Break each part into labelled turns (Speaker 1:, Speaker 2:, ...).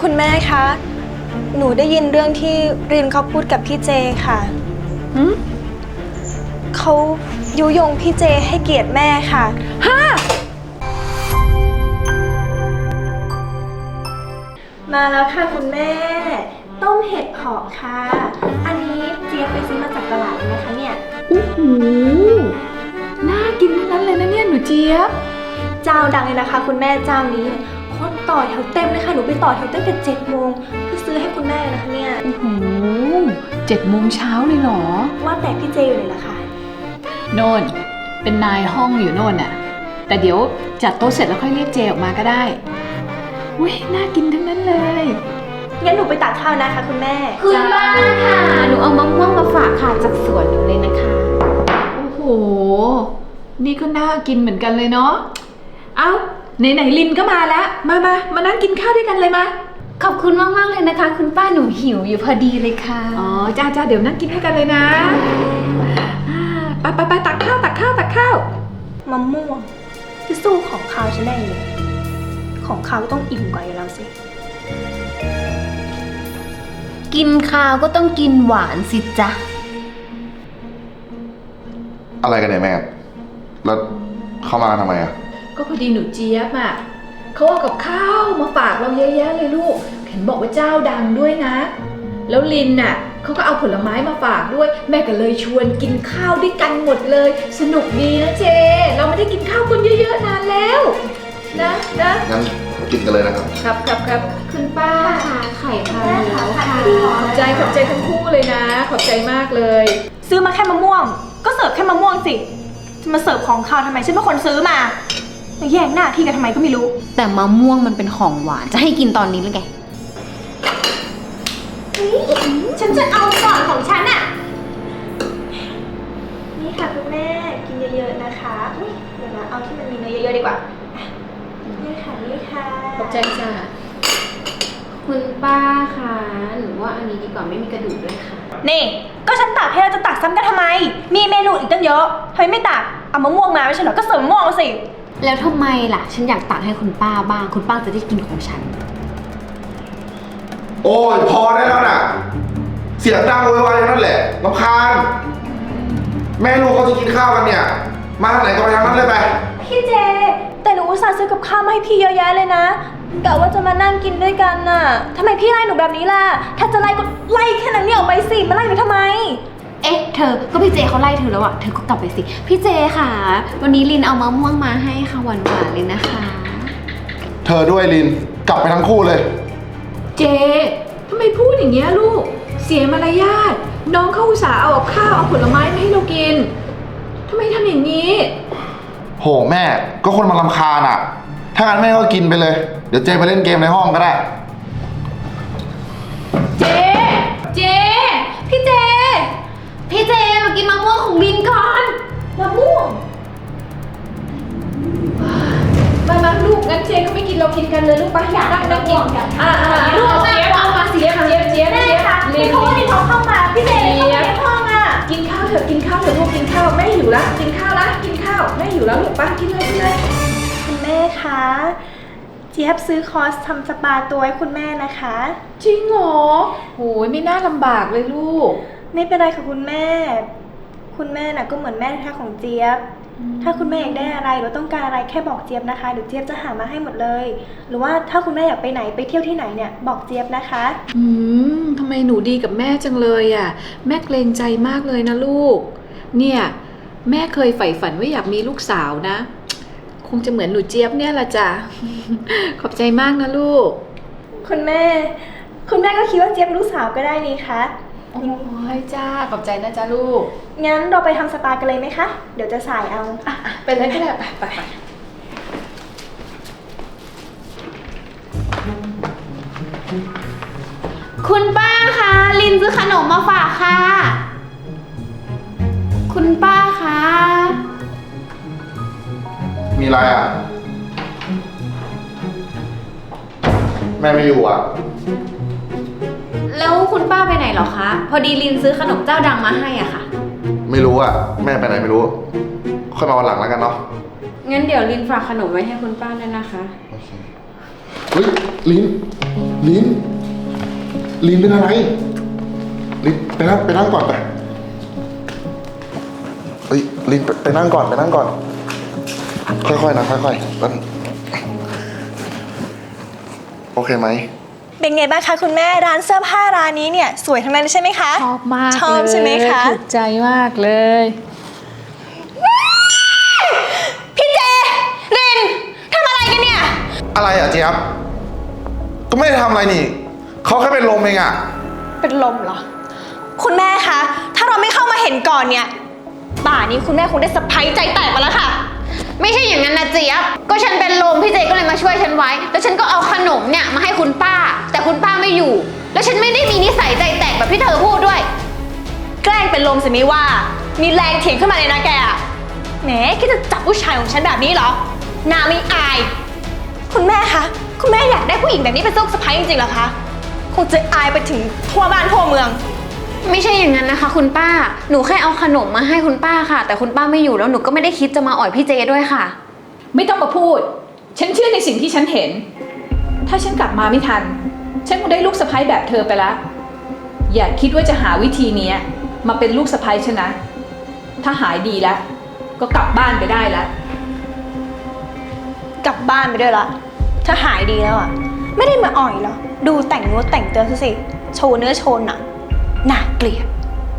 Speaker 1: คุณแม่คะ หนูได้ยินเรื่องที่รินเขาพูดกับพี่เจค่ะเขายุยงพี่เจให้เกียรติแม่ค่ะมาแล้วค่ะคุณแม่ ต้มเห็ดเผาะค่ะ อันนี้เจี๊ยบไปซื้อมาจากตลาดนะคะเนี่ย
Speaker 2: โอ้โหน่ากินทั้งนั้นเลยนะเนี่ยหนูเจี๊ยบ
Speaker 1: เจ้าดังเลยนะคะคุณแม่เจ้านี้คนต่อแถวเต็มเลยค่ะหนูไปต่อแถวตั้งแต่7 โมงเพื่อซื้อให้คุณแม่นะคะเนี่ย
Speaker 2: โอ้โห7 โมงเช้าเลยเหรอ
Speaker 1: ว่าแต่พี่เจอยู่ไหนล่ะคะ
Speaker 2: โน่นเป็นนายห้องอยู่โน่นน่ะแต่เดี๋ยวจัดโต๊ะเสร็จแล้วค่อยเรียกเจออกมาก็ได้อุ้ยน่ากินทั้งนั้นเลย
Speaker 1: งั้นหนูไปตักข้าวนะคะคุณแม่
Speaker 3: คุณป้าค่ะหนูเอามะม่วงมาฝากค่ะจากสวนหนูเลยนะคะ
Speaker 2: โอ้โหนี่ก็น่ากินเหมือนกันเลยเนาะเอาไหนลินก็มาแล้วมานั่งกินข้าวด้วยกันเลยมา
Speaker 3: ขอบคุณมากๆเลยนะคะคุณป้าหนูหิวอยู่พอดีเลยค่ะ
Speaker 2: อ๋อจ้าเดี๋ยวนั่งกินด้วยกันเลยนะไปตักข้าว
Speaker 1: มะม่วงจะสู้ของข้าวฉันได้เลยของข้าวก็ต้องอิ่มกว่าอยู่แล้วสิ
Speaker 3: กินข้าวก็ต้องกินหวานสิจ๊ะ
Speaker 4: อะไรกันเนี่ยแม่แล้วเข้ามาทำไมอ่ะ
Speaker 2: ก็พอดีหนูเจี๊ยบอ่ะเขาเอากับข้าวมาฝากเราเยอะแยะเลยลูกเห็นบอกว่าเจ้าดังด้วยนะแล้วลินน่ะเขาก็เอาผลไม้มาฝากด้วยแม่ก็เลยชวนกินข้าวด้วยกันหมดเลยสนุกดีนะเจเราไม่ได้กินข้าวกันเยอะๆนานแล้วนะ
Speaker 4: งั้นกินกันเลยนะครับ
Speaker 2: ครับ
Speaker 3: คุณป้าค่ะไข่พะโล้ค่ะ
Speaker 2: ขอบใจทั้งคู่เลยนะขอบใจมากเลย
Speaker 1: ซื้อมาแค่มะม่วงก็เสิร์ฟแค่มะม่วงสิจะมาเสิร์ฟของข้าวทำไมฉันเป็นคนซื้อมาแย่งหน้าที่กันทำไมก็ไม่รู้
Speaker 3: แต่มะม่วงมันเป็นของหวานจะให้กินตอนนี้หรือไง
Speaker 1: ฉันจะเอาก่อนของฉันอ่ะนี่ค่ะคุณแม่กินเยอะๆนะคะเดี๋ยวนะเอาที่มันมีเนื้อเยอะๆดีกว่านี่ค่ะ
Speaker 2: ขอบใจจ้า
Speaker 3: คุณป้าคะหนูว่าอันนี้ดีกว่าไม่มีกระดูกด้วยค่ะ
Speaker 1: นี่ก็ฉันตักให้เราจะตักซ้ำกันทำไมมีเมนูอีกตั้งเยอะทำไมไม่ตักเอามะม่วงมาไม่ใช่เหรอก็เสริมมะม่วงมาสิ
Speaker 3: แล้วทำไมล่ะฉันอยากตักให้คุณป้าบ้างคุณป้าจะได้กินของฉัน
Speaker 4: โอ้ยพอได้แล้วน่ะเสียงดังโวยวายนั่นแหละรำคาญแม่ลูกเขาจะกินข้าวกันเนี่ยมาทางไหนก็ไปทางนั้นเลยไป
Speaker 1: พี่เจแต่หนูอุตส่าห์ซื้อกับข้าวมาให้พี่เยอะแยะเลยนะกะว่าจะมานั่งกินด้วยกันน่ะทำไมพี่ไล่หนูแบบนี้ล่ะถ้าจะไล่ก็ไล่แค่นั้นเนี่ยออกไปสิมาไล่หนูทำไม
Speaker 3: เธอก็พี่เจเขาไล่เธอแล้วอะเธอก็กลับไปสิพี่เจค่ะวันนี้ลินเอามะม่วงมาให้ค่ะหวานๆเลยนะคะ
Speaker 4: เธอด้วยลินกลับไปทั้งคู่เลย
Speaker 2: เจทำไมพูดอย่างเงี้ยลูกเสียมารยาทน้องเขาอุตส่าห์เอาข้าวเอาผลไม้มาให้เรากินทำไมทำอย่างนี้
Speaker 4: โหแม่ก็คนมารำคาญอ่ะถ้างั้นแม่ก็กินไปเลยเดี๋ยวเจไปเล่นเกมในห้องก็ได้
Speaker 2: เจ
Speaker 3: พี่เจมากินมะม่วงของลินก่อน
Speaker 1: มะม่วง
Speaker 2: มาลูกงั้นเจก็ไม่กินเรากินกันเลยลูกไปอยากนั่งกินกันลูกเจี๊ยบเอามาสิเจี๊ยบ
Speaker 1: แม่ค่ะพี่เขาไม่ท้องเข้ามาพี่เจเลยเข้ามาในห้องอ่ะ
Speaker 2: กินข้าวเถอะลูกกินข้าวแม่หิวแล้วกินข้าวแม่หิวแล้วลูกป้ากินเลย
Speaker 1: คุณแม่คะเจี๊ยบซื้อคอร์สทำสปาตัวให้คุณแม่นะคะ
Speaker 2: จริงเหรอโหไม่น่าลำบากเลยลูก
Speaker 1: ไม่เป็นไรค่ะคุณแม่น่ะก็เหมือนแม่แท้ของเจี๊ยบถ้าคุณแม่อยากได้อะไรหรือต้องการอะไรแค่บอกเจี๊ยบนะคะเดี๋ยวเจี๊ยบจะหามาให้หมดเลยหรือว่าถ้าคุณแม่อยากไปไหนไปเที่ยวที่ไหนเนี่ยบอกเจี๊ยบนะคะ
Speaker 2: ทำไมหนูดีกับแม่จังเลยอ่ะแม่เกรงใจมากเลยนะลูกเนี่ยแม่เคยใฝ่ฝันว่าอยากมีลูกสาวนะคงจะเหมือนหนูเจี๊ยบเนี่ยละจ้ะขอบใจมากนะลูก
Speaker 1: คุณแม่ก็คิดว่าเจี๊ยบลูกสาวก็ได้นี่คะ
Speaker 2: โอ้ยจ้าขอบใจนะจ้าลูก
Speaker 1: งั้นเราไปทำสปากันเลยไหมคะเดี๋ยวจะสายเอา
Speaker 2: ไปเลยก็ได้ไป
Speaker 3: คุณป้าคะลินซื้อขนมมาฝากค่ะคุณป้าคะ
Speaker 4: มีอะไรอ่ะแม่ไม่อยู่อ่ะ
Speaker 3: แล้วคุณป้าไปไหนเหรอคะพอดีลินซื้อขนมเจ้าดังมาให้อ่ะค่ะ
Speaker 4: ไม่รู้อ่ะแม่ไปไหนไม่รู้ค่อยมาวันหลังแล้วกันเนาะ
Speaker 3: งั้นเดี๋ยวลินฝากขนมไว้ให้คุณป้าด้วยนะคะโอเค
Speaker 4: เฮ้ยลินลินลินเป็นอะไรลินไปนั่งก่อนไปเฮ้ยลินไปนั่งก่อนค่อยๆนะค่อยๆนั่นโอเคไหม
Speaker 1: เป็นไงบ้างคะคุณแม่ร้านเสื้อผ้าร้านนี้เนี่ยสวยทั้งนั้นเลยใช่ไหมคะ
Speaker 2: ชอบมาก
Speaker 1: ชอบใช่ไหมคะ
Speaker 2: ถูกใจมากเลย
Speaker 1: พี่เจรินทำอะไรกันเนี่ย
Speaker 4: อะไรอ่ะเจี๊ยบก็ไม่ได้ทำอะไรนี่เขาแค่เป็นลมเองอ่ะ
Speaker 1: เป็นลมเหรอ คุณแม่คะ ถ้าเราไม่เข้ามาเห็นก่อนเนี่ยป่านี้คุณแม่คงได้สะพายใจแตกมาแล้วค่ะ
Speaker 3: ไม่ใช่อย่างนั้นนะเจี๊ยบก็ฉันเป็นลมพี่เจก็เลยมาช่วยฉันไว้แล้วฉันก็เอาขนมเนี่ยมาให้คุณป้า แต่คุณป้าไม่อยู่ แล้วฉันไม่ได้มีนิสัยใจแตกแบบที่เธอพูดด้วย
Speaker 1: แกล้งเป็นลมสิไม่ว่า มีแรงเถียงขึ้นมาเลยนะแกอะแหมคิดจะจับผู้ชายของฉันแบบนี้เหรอหน้าไม่อาย คุณแม่คะ คุณแม่อยากได้ผู้หญิงแบบนี้เป็นลูกสะใภ้จริงๆเหรอคะ คงจะอายไปถึงทั่วบ้านทั่วเมือง
Speaker 3: ไม่ใช่อย่างนั้นนะคะคุณป้าหนูแค่เอาขนมมาให้คุณป้าค่ะ แต่คุณป้าไม่อยู่แล้วหนูก็ไม่ได้คิดจะมาอ่อยพี่เจด้วยค่ะ
Speaker 2: ไม่ต้องมาพูด ฉันเชื่อในสิ่งที่ฉันเห็น ถ้าฉันกลับมาไม่ทัน ฉันคงได้ลูกสะใภ้แบบเธอไปแล้ว อย่าคิดว่าจะหาวิธีนี้มาเป็นลูกสะใภ้ฉันนะ ถ้าหายดีแล้ว ก็กลับบ้านไปได้แล้ว
Speaker 1: กลับบ้านไปด้วยละถ้าหายดีแล้วอ่ะ ไม่ได้มาอ่อยหรอ ดูแต่งเนื้อแต่งตัวซะสิ โชว์เนื้อโชว์หนังน่าเกลียด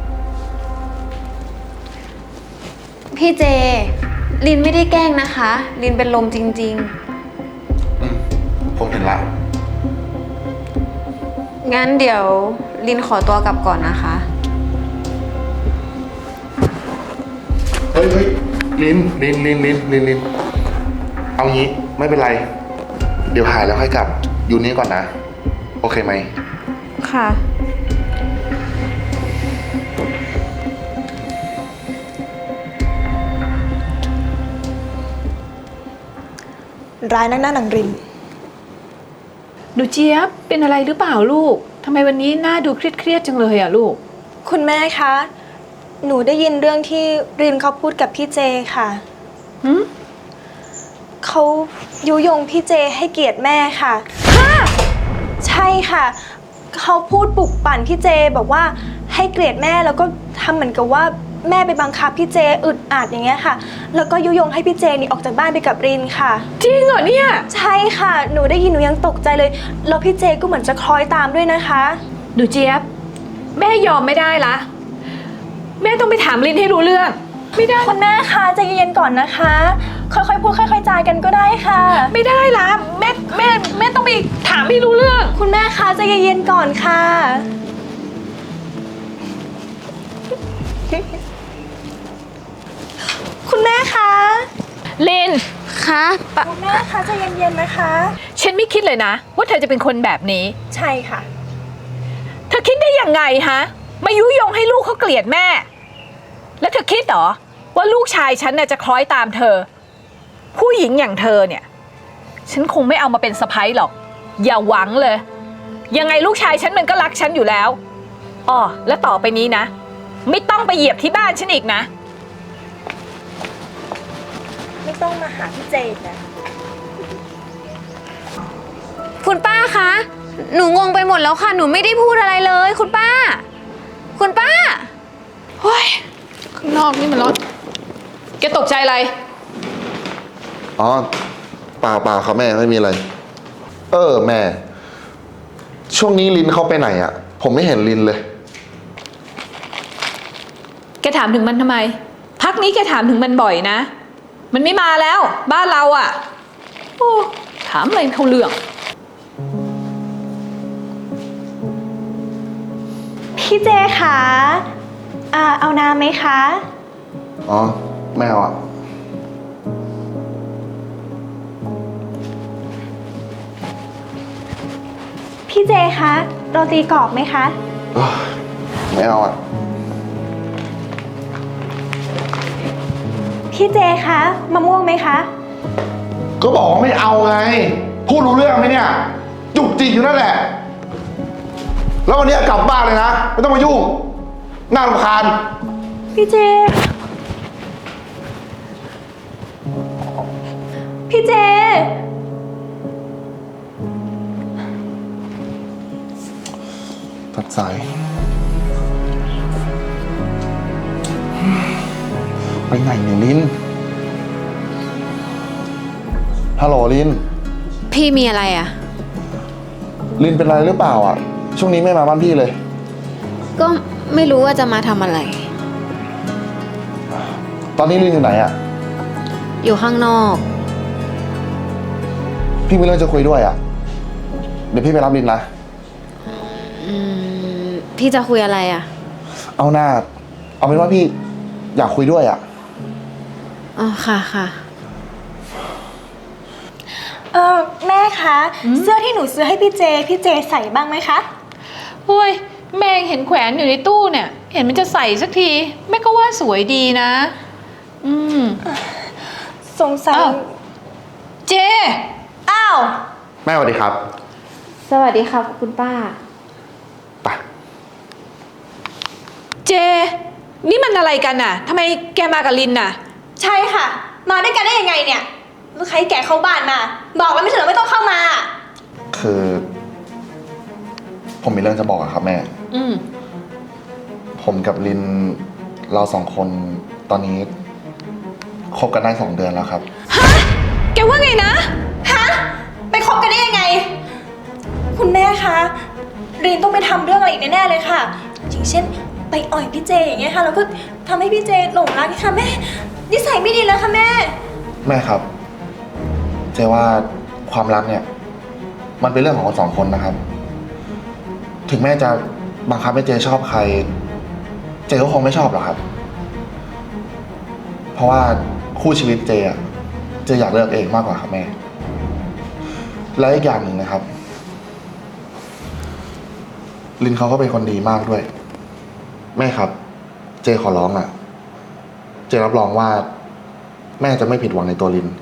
Speaker 3: พี่เจลินไม่ได้แกล้งนะคะลินเป็นลมจริง
Speaker 4: ผมเห็นละ
Speaker 3: ๆงั้นเดี๋ยวลินขอตัวกลับก่อนนะคะ
Speaker 4: เฮ้ยลินเอางี้ไม่เป็นไร เดี๋ยวหายแล้วค่อยกลับอยู่นี้ก่อนนะโอเคไหม
Speaker 3: ค่ะ
Speaker 1: ร้ายนักหน้าหนังริน
Speaker 2: หนูเจี๊ยบเป็นอะไรหรือเปล่าลูก ทำไมวันนี้หน้าดูเครียดจังเลยอ่ะลูก
Speaker 1: คุณแม่คะ หนูได้ยินเรื่องที่รินเขาพูดกับพี่เจค่ะ
Speaker 2: หืม
Speaker 1: เขายุยงพี่เจให้เกียรติแม่ค่ะ ใช่ค่ะ เขาพูดปลุกปั่นพี่เจบอกว่าให้เกลียดแม่แล้วก็ทำเหมือนกับว่าแม่ไปบังคับพี่เจอึดอัดอย่างเงี้ยค่ะ แล้วก็ยุยงให้พี่เจนี่ออกจากบ้านไปกับรินค่ะ
Speaker 2: จริงเหรอเนี่ย
Speaker 1: ใช่ค่ะ หนูได้ยินหนูยังตกใจเลย แล้วพี่เจก็เหมือนจะคล้อยตามด้วยนะคะ
Speaker 2: หนูเจี๊ยบแม่ยอมไม่ได้ละแม่ต้องไปถามลินให้รู้เรื่อง ไม่ได้
Speaker 1: คุณแม่คะใจเย็นๆก่อนนะคะ ค่อยๆพูดค่อยๆจากันก็ได้ค่ะ
Speaker 2: ไม่ได้ละแม่ต้องไปถามให้รู้เรื่อง
Speaker 1: คุณแม่คะใจเย็นๆก่อนค่ะ คุณแม่คะ
Speaker 2: ลิน
Speaker 3: คะปะ
Speaker 1: คุณแม่คะใจเย็นๆนะคะ
Speaker 2: ฉันไม่คิดเลยนะ ว่าเธอจะเป็นคนแบบนี้
Speaker 1: ใช่ค่ะ
Speaker 2: เธอคิดได้ยังไงฮะมายุยงให้ลูกเขาเกลียดแม่ แล้วเธอคิดเหรอว่าลูกชายฉันน่ะจะคล้อยตามเธอ ผู้หญิงอย่างเธอเนี่ย ฉันคงไม่เอามาเป็นสะใภ้หรอก อย่าหวังเลย ยังไงลูกชายฉันมันก็รักฉันอยู่แล้วอ้อแล้วต่อไปนี้นะ ไม่ต้องไปเหยียบที่บ้านฉันอีกนะ
Speaker 1: ไม่ต้องมาหาพี่เจนนะ
Speaker 3: คุณป้าคะหนูงงไปหมดแล้วค่ะหนูไม่ได้พูดอะไรเลย คุณป้า คุณป้า
Speaker 2: เฮ้ย ข้างนอกนี่มันร้อนแกตกใจอะไร
Speaker 4: อ๋อเปล่าครับแม่ไม่มีอะไร แม่ ช่วงนี้ลินเข้าไปไหนอ่ะ ผมไม่เห็นลินเลย
Speaker 2: แกถามถึงมันทำไม พักนี้แกถามถึงมันบ่อยนะ มันไม่มาแล้ว บ้านเราอ่ะโอ้ถามอะไรเขาเรื่อง
Speaker 1: พี่เจคะเอาน้ำไหมคะ
Speaker 4: อ๋อไม่เอาอ่ะ
Speaker 1: พี่เจคะโรตีกรอบไหมคะ
Speaker 4: ไม่เอาอ่ะ
Speaker 1: พี่เจคะมะม่วงไหมคะ
Speaker 4: ก็บอกว่าไม่เอาไง พูดรู้เรื่องไหมเนี่ย จุกจิกอยู่นั่นแหละ แล้ววันนี้กลับบ้านเลยนะ ไม่ต้องมายุ่ง น่ารำคาญ
Speaker 1: พี่เจ พี่เจ
Speaker 4: รับสายไปไหนเนี่ยลินฮัลโหลลิน
Speaker 3: พี่มีอะไรอ่ะ
Speaker 4: ลินเป็นไรหรือเปล่าอ่ะช่วงนี้ไม่มาบ้านพี่เลย
Speaker 3: ก็ไม่รู้ว่าจะมาทำอะไร
Speaker 4: ตอนนี้ลินอยู่ไหนอ่ะ
Speaker 3: อยู่ข้างนอก
Speaker 4: พี่มีเรื่องจะคุยด้วยอ่ะเดี๋ยวพี่ไปรับลินนะ
Speaker 3: พี่จะคุยอะไรอ่ะ
Speaker 4: เอาหน้าเอาเป็นว่าพี่อยากคุยด้วยอ่ะ
Speaker 3: อ๋อค่ะค่ะ
Speaker 1: แม่คะ เสื้อที่หนูซื้อให้พี่เจใส่บ้างไหมคะ
Speaker 2: เฮ้ยแม่เห็นแขวนอยู่ในตู้เนี่ย เห็นมันจะใส่สักทีแม่ก็ว่าสวยดีนะ
Speaker 1: สงสัย
Speaker 2: อ้าว เจ
Speaker 1: อ้าว
Speaker 4: แม่สวัสดีครับ
Speaker 3: สวัสดีค่ะคุณป้า
Speaker 4: ไป
Speaker 2: เจ นี่มันอะไรกันน่ะทำไมแกมากับลินน่ะ
Speaker 1: ใช่ค่ะ มาด้วยกันได้ยังไงเนี่ยแล้วใครแก่เข้าบ้านมา บอกแล้วไม่ใช่เหรอไม่ต้องเข้ามา
Speaker 4: คือ ผมมีเรื่องจะบอกอะครับแม่
Speaker 2: อืม
Speaker 4: ผมกับลินเราสองคนตอนนี้คบกันได้2 เดือนแล้วครับ
Speaker 2: แกว่าไงนะ
Speaker 1: ฮะ ไปคบกันได้ยังไง คุณแม่คะรีนต้องไปทำเรื่องอะไรอีกแน่ๆเลยค่ะ อย่างเช่น ไปอ่อยพี่เจอย่างเงี้ยค่ะ แล้วก็ทำให้พี่เจหลงรักค่ะแม่ นิสัยไม่ดีแล้วค่ะแม่
Speaker 4: แม่ครับ เจว่าความรักเนี่ย มันเป็นเรื่องของคน2 คนนะครับ ถึงแม่จะบังคับให้เจชอบใคร เจก็คงไม่ชอบหรอกครับ เพราะว่าคู่ชีวิตเจอะเจอยากเลือกเองมากกว่าครับแม่ และอีกอย่างหนึ่งนะครับ ลินเขาก็เป็นคนดีมากด้วย แม่ครับ เจขอร้องอ่ะ เจรับรองว่า แม่จะไม่ผิดหวังในตัวลิน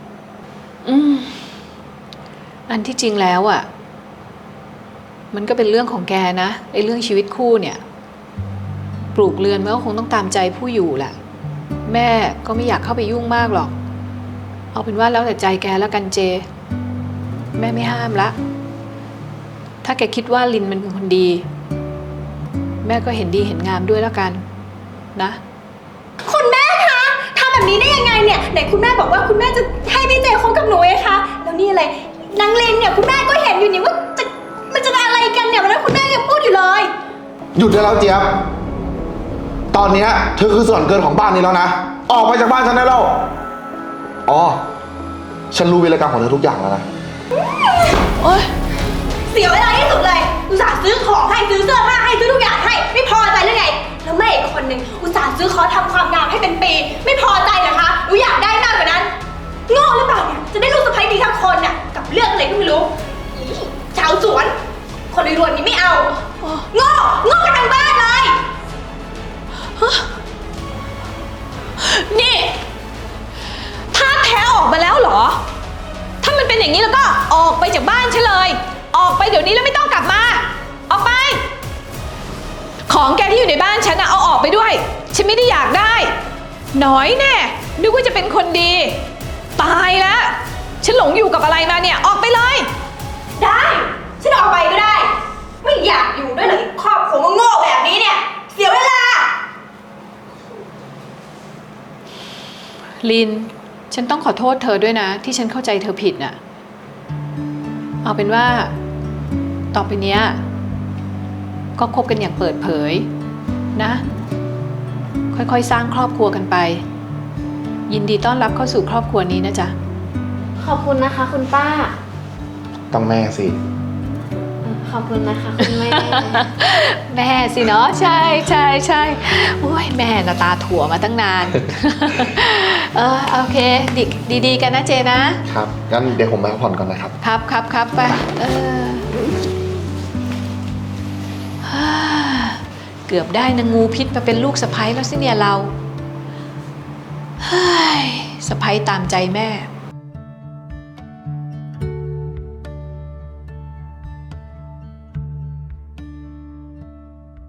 Speaker 2: อันที่จริงแล้วอ่ะ มันก็เป็นเรื่องของแกนะไอ้เรื่องชีวิตคู่เนี่ย ปลูกเรือนมันก็คงต้องตามใจผู้อยู่แหละ แม่ก็ไม่อยากเข้าไปยุ่งมากหรอก เอาเป็นว่าแล้วแต่ใจแกแล้วกันเจ แม่ไม่ห้ามละ ถ้าแกคิดว่าลินมันเป็นคนดี แม่ก็เห็นดีเห็นงามด้วยแล้วกันนะ
Speaker 1: คุณแม่คะทำแบบนี้ได้ยังไงเนี่ยไหนคุณแม่บอกว่าคุณแม่จะให้พี่เจคบกับหนูไงคะแล้วนี่อะไรนางเลนเนี่ยคุณแม่ก็เห็นอยู่นี่ว่ามันจะอะไรกันเนี่ยวันนั้นคุณแม่ยังพูดอยู่เลย
Speaker 4: หยุดได้แล้วเจี๊ยบ ตอนเนี้ยเธอคือส่วนเกินของบ้านนี้แล้วนะ ออกไปจากบ้านฉันได้แล้ว อ๋อ ฉันรู้วีรกรรมของเธอทุกอย่างแล้วนะ
Speaker 2: โอ๊ย
Speaker 1: เสียเวลาที่สุดเลยอุตส่าห์ซื้อของให้ซื้อเสื้อผ้าให้ซื้อทุกอย่างให้ไม่พอใจหรือไงแล้วแม่อีกคนนึงอุตส่าห์ซื้อคอร์สทำความงามให้เป็นปีไม่พอใจเหรอคะหนูอยากได้มากกว่านั้นโง่หรือเปล่าเนี่ยจะได้ลูกสะใภ้ดีทั้งคนน่ะกับเรื่องอะไรก็ไม่รู้อีชาวสวน คนรวยๆนี้ไม่เอาโง่กันทั้งบ้านเลย
Speaker 2: นี่ท่าแท้ออกมาแล้วเหรอ ถ้ามันเป็นอย่างนี้แล้วก็ออกไปจากบ้านฉันเลย ออกไปเดี๋ยวนี้แล้วไม่ต้องกลับมา ออกไป ของแกที่อยู่ในบ้านฉันนะเอาออกไปด้วย ฉันไม่ได้อยากได้ น้อยแน่ นึกว่าจะเป็นคนดี ตายแล้ว ฉันหลงอยู่กับอะไรมาเนี่ย ออกไปเลย
Speaker 1: ได้ฉันออกไปก็ได้ ไม่อยากอยู่ด้วยเลยครอบครัวโง่ๆแบบนี้เนี่ยเสียเวลา
Speaker 2: ลิน ฉันต้องขอโทษเธอด้วยนะ ที่ฉันเข้าใจเธอผิดน่ะ เอาเป็นว่า ต่อไปเนี้ยก็คบกันอย่างเปิดเผยนะ ค่อยๆสร้างครอบครัวกันไป ยินดีต้อนรับเข้าสู่ครอบครัวนี้นะจ๊ะ
Speaker 3: ขอบคุณนะคะคุณป้า
Speaker 4: ต้องแม่สิ
Speaker 3: ขอบคุณนะคะคุณแม่
Speaker 2: แม่สิเนาะใช่ใช่ใช่โอ้ยแม่น่ะตาถั่วมาตั้งนาน โอเคดีๆกันนะเจนะ
Speaker 4: ครับ งั้นเดี๋ยวผมไปพักผ่อนก่อนนะครับ
Speaker 2: ครับไปฮ่าเกือบได้นางงูพิษมาเป็นลูกสะใภ้แล้วสิเนี่ยเราเฮ้ยสะใภ้ตามใจแม่